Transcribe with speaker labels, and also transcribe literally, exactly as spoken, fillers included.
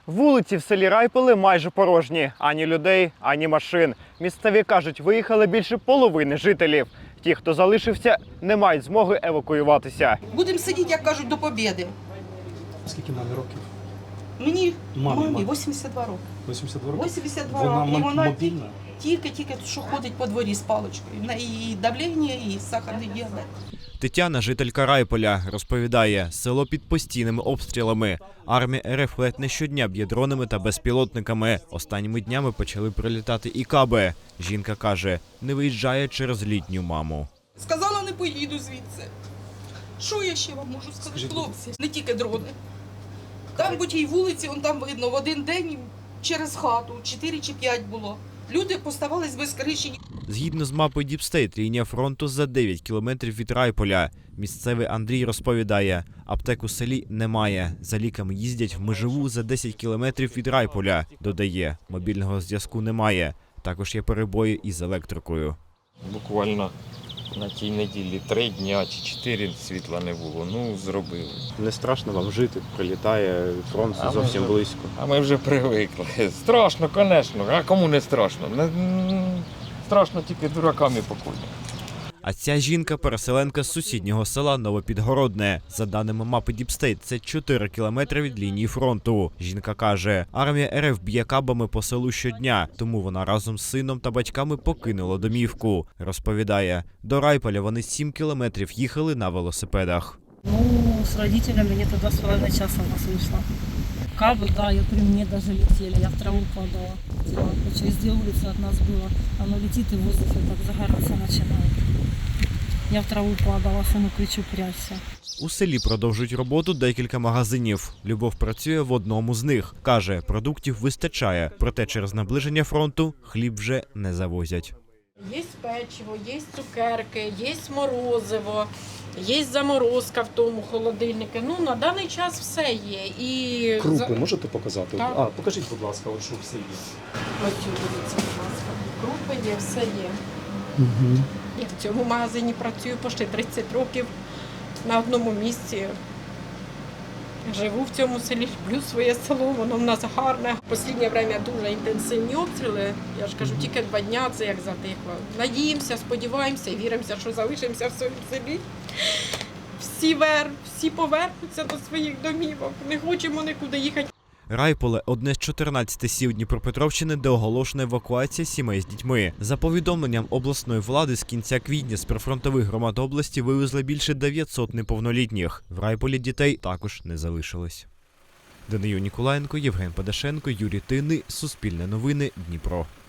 Speaker 1: Вулиці в селі Райполе майже порожні. Ані людей, ані машин. Місцеві кажуть, виїхали більше половини жителів. Ті, хто залишився, не мають змоги евакуюватися.
Speaker 2: Будемо сидіти, як кажуть, до побєди.
Speaker 3: Скільки мамі років?
Speaker 2: Мені,
Speaker 3: Мамі,
Speaker 2: мамі,
Speaker 3: мамі.
Speaker 2: вісімдесят два роки.
Speaker 3: вісімдесят два роки?
Speaker 2: вісімдесят два
Speaker 3: Вона
Speaker 2: роки. І
Speaker 3: м-
Speaker 2: вона
Speaker 3: мобільна?
Speaker 2: тільки-тільки, що ходить по дворі з паличкою. В неї і давлення, і сахарний діабет.
Speaker 1: Тетяна, жителька Райполя, розповідає, село під постійними обстрілами. Армія РФ ледь не щодня б'є дронами та безпілотниками. Останніми днями почали прилітати і каби. Жінка каже, не виїжджає через літню маму.
Speaker 2: Сказала, не поїду звідси. Що я ще вам можу сказати,
Speaker 3: Скажіть,
Speaker 2: хлопці? Не тільки дрони. Там по тій вулиці, вон там видно, в один день через хату, чотири чи п'ять було. Люди поставались без криші.
Speaker 1: Згідно з мапою Діпстейт, лінія фронту за дев'ять кілометрів від Райполя. Місцевий Андрій розповідає, аптек у селі немає. За ліками їздять в Межеву за десять кілометрів від Райполя. Додає, мобільного зв'язку немає. Також є перебої із електрикою.
Speaker 4: Буквально на тій неділі три дня чи чотири світла не було. Ну, зробили.
Speaker 5: Не страшно вам жити, прилітає фронт
Speaker 4: А ми
Speaker 5: зовсім
Speaker 4: вже-
Speaker 5: близько.
Speaker 4: А ми вже привикли. Страшно, звісно. А кому не страшно? Не- м, Страшно тільки дуракам і покойним.
Speaker 1: А ця жінка – переселенка з сусіднього села Новопідгородне. За даними мапи Діпстейт, це чотири кілометри від лінії фронту. Жінка каже, армія РФ б'є кабами по селу щодня, тому вона разом з сином та батьками покинула домівку. Розповідає, до Райполя вони сім кілометрів їхали на велосипедах.
Speaker 6: Ну, с родителями где-то два с половиной часа у нас вышла. Кабы, да, и при мне даже летели, я в траву падала. Тело через две улицы от нас было. Оно летит и в воздухе так загораться начинает. Я в траву падала, сыну кричу, прячься.
Speaker 1: У селі продовжують роботу декілька магазинів. Любов працює в одному з них. Каже, продуктів вистачає, проте через наближення фронту хліб вже не завозять.
Speaker 7: Є печиво, є цукерки, є морозиво, є заморозка в тому холодильнику. Ну, на даний час все є. І
Speaker 3: Крупи
Speaker 7: за-
Speaker 3: можете показати?
Speaker 7: Так.
Speaker 3: А, покажіть, будь ласка, от що все є.
Speaker 7: Ось цю, дивіться, будь ласка. Крупи є, все є.
Speaker 3: Угу.
Speaker 7: Я в цьому магазині працюю почти тридцять років на одному місці. Живу в цьому селі, люблю своє село, воно в нас гарне. Останнє час дуже інтенсивні обстріли. Я ж кажу, тільки два дня це як затихло. Надіємося, сподіваємося і віримося, що залишимося в своєму селі. Всі вер, всі повернуться до своїх домівок. Не хочемо нікуди їхати.
Speaker 1: Райполе – одне з чотирнадцяти сіл Дніпропетровщини, де оголошена евакуація сімей з дітьми. За повідомленням обласної влади, з кінця квітня з прифронтових громад області вивезли більше дев'ятсот неповнолітніх. В Райполі дітей також не залишилось. Данию Ніколаєнко, Євген Падашенко, Юрій Тинний, Суспільне новини, Дніпро.